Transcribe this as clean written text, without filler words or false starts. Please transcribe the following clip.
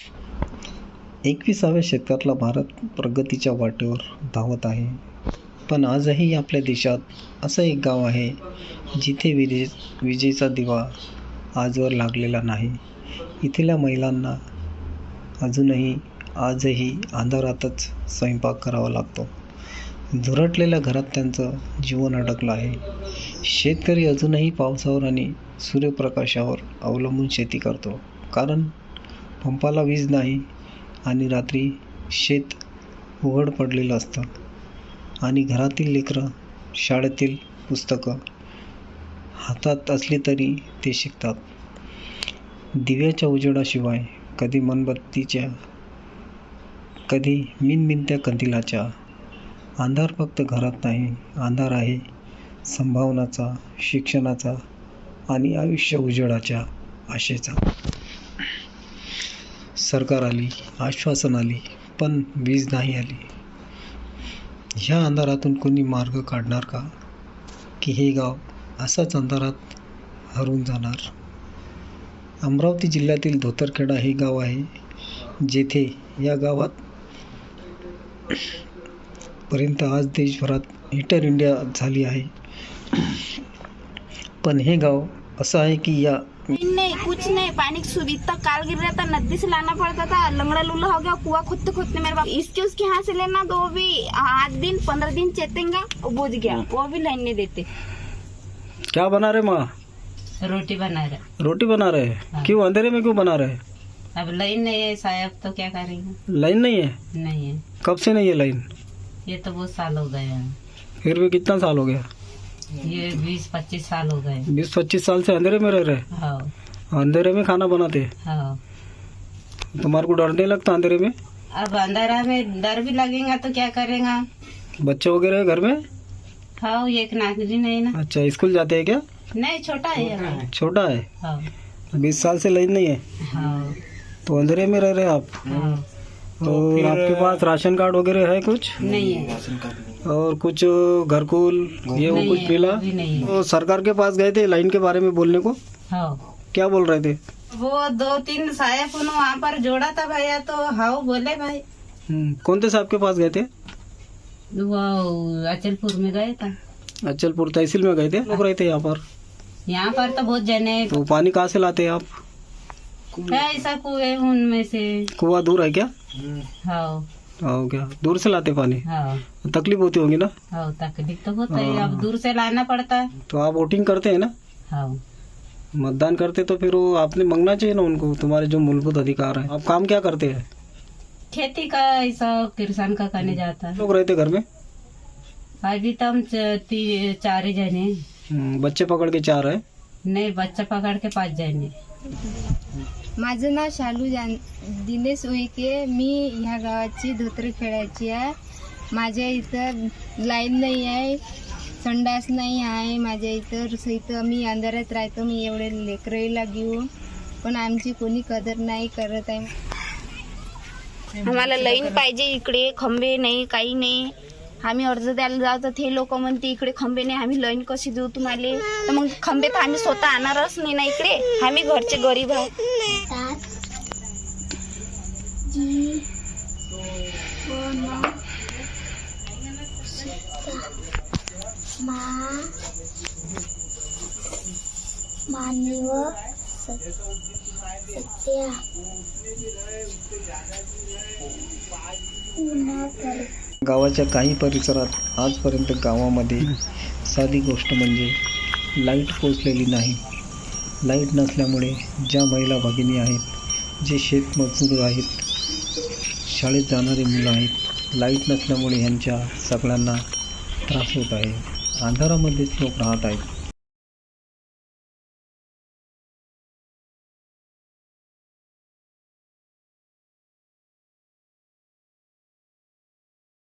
एकविसाव्या शतकातला भारत प्रगतीच्या वाटेवर धावत आहे. पण आजही आपल्या देशात असं एक गाव आहे जिथे विजेचा दिवा आजवर लागलेला नाही. इथल्या महिलांना आजही अंधारातच स्वयंपाक करावा लागतो. झुरटलेल्या घरात त्यांचं जीवन अडकलं आहे. शेतकरी अजूनही पावसावर आणि सूर्यप्रकाशावर अवलंबून शेती करतो, कारण पंपाला वीज नाही आणि रात्री शेत उघड पडलेलं असतं आणि घरातील लेकरं शाळेतील पुस्तकं हातात असली तरी ते शिकतात. दिव्याच्या उजेडाशिवाय, कधी मेणबत्तीच्या, कधी मिणमिणत्या कंदिलाच्या. अंधार फक्त घरात नाही, अंधार आहे संभावनाचा, शिक्षणाचा आणि आयुष्य उजेडाच्या आशेचा. सरकार आली, आश्वासन आली, पण वीज नाही आली. ह्या अंधारातून कोणी मार्ग काढणार का? की हे गाव असाच अंधारात हरवून जाणार? अमरावती जिल्ह्यातील धोतरखेडा हे गाव आहे, जेथे या गावात पर्यंत आज देशभरात हीटर इंडिया झाली आहे. पण हे गाव असं आहे की या नहीं, कुछ नहीं, पानी की सुविधा काल गिर रहा था, नदी से लाना पड़ता था, लंगड़ा लूला हो गया, कुआं खोदते खोदते मेरे बाप इसके उसके यहाँ से लेना, तो वो भी 8 दिन 15 दिन चेतेंगे, वो बुझ गया, वो भी लाइन नहीं देते. क्या बना रहे माँ? रोटी बना रहे. रोटी बना रहे हैं? हाँ. क्यों अंधेरे में क्यों बना रहे हैं? अब लाइन नहीं है साहब, तो क्या करेंगे. लाइन नहीं है? नहीं है, कब से नहीं है लाइन? ये तो बहुत साल हो गए हैं. फिर भी कितना साल हो गया? ये 20-25 साल हो गए. 20-25 साल से अंधेरे में रह रहे हैं? हाँ अंधेरे में खाना बनाते हैं? हाँ. तुम्हारे को डर नहीं लगता अंधेरे में? अब अंधेरा में डर भी लगेगा तो क्या करेगा. बच्चे वगैरह है घर में? हाँ, एक नागरी नहीं ना. अच्छा, स्कूल जाते हैं क्या? नहीं, छोटा है अभी. छोटा है. हाँ 20 साल से लाइन नहीं है, हाँ तो अंधेरे में रह रहे हैं आप. हाँ. और आपके पास राशन कार्ड वगैरह है कुछ? नहीं है. और कुछ घरकुल ये वो नहीं कुछ है, मिला? अभी नहीं है. तो सरकार के पास गए थे लाइन के बारे में बोलने को, हाँ, क्या बोल रहे थे? वो 2-3 साहब वहाँ पर जोड़ा था भैया, तो हाँ बोले भाई. कौन से साहब के पास गए थे? वो अचलपुर में गए था. अचलपुर तहसील में गए थे. लोग रहते यहाँ पर? यहाँ पर तो बहुत जने. तो पानी कहाँ से लाते हैं आप? है ऐसा कुएं उनमें से. कुआं दूर है क्या? हाँ हाँ, क्या दूर से लाते पानी? हाँ तकलीफ होती होगी ना? हाँ, तकलीफ तो होता है, हाँ. अब दूर से लाना पड़ता है. तो आप वोटिंग करते हैं ना? हाँ, मतदान करते तो फिर वो आपने मांगना चाहिए ना उनको, तुम्हारे जो मूलभूत अधिकार है. आप काम क्या करते हैं? खेती का ऐसा किसान का करने जाता है. लोग रहते घर में? अभी तो हम 4 जने. बच्चे पकड़ के 4 है. नहीं, बच्चा पकड़ के 5 जने. माझं नाव शालू दिनेश उईके. मी ह्या गावाची धोतरखेड्याची आहे. माझ्या इथं लाईन नाही आहे, संडास नाही आहे. माझ्या इथं मी अंधारात राहतो. मी एवढे लेकराईला घेऊन, पण आमची कोणी कदर नाही करत आहे. आम्हाला लाईन पाहिजे. इकडे खंबे नाही, काही नाही. आम्ही अर्ज द्यायला जाऊ तर ते लोक म्हणते इकडे खंबे नाही, आम्ही लाईन कशी देऊ तुम्हाला. तर मग खंबे तर आम्ही स्वतः आणणारच नाही ना इकडे. आम्ही घरचे गरीब आहोत. गावाच्या काही परिसरात आजपर्यंत गावामध्ये साधी गोष्ट म्हणजे लाईट पोचलेली नाही. लाईट नसल्यामुळे ज्या महिला भगिनी आहेत, जे शेतमजूर आहेत, शाळेत जाणारी मुलं आहेत, लाईट नसल्यामुळे ह्यांच्या सगळ्यांना त्रास होत आहे. अंधारामध्येच लोक राहत आहेत.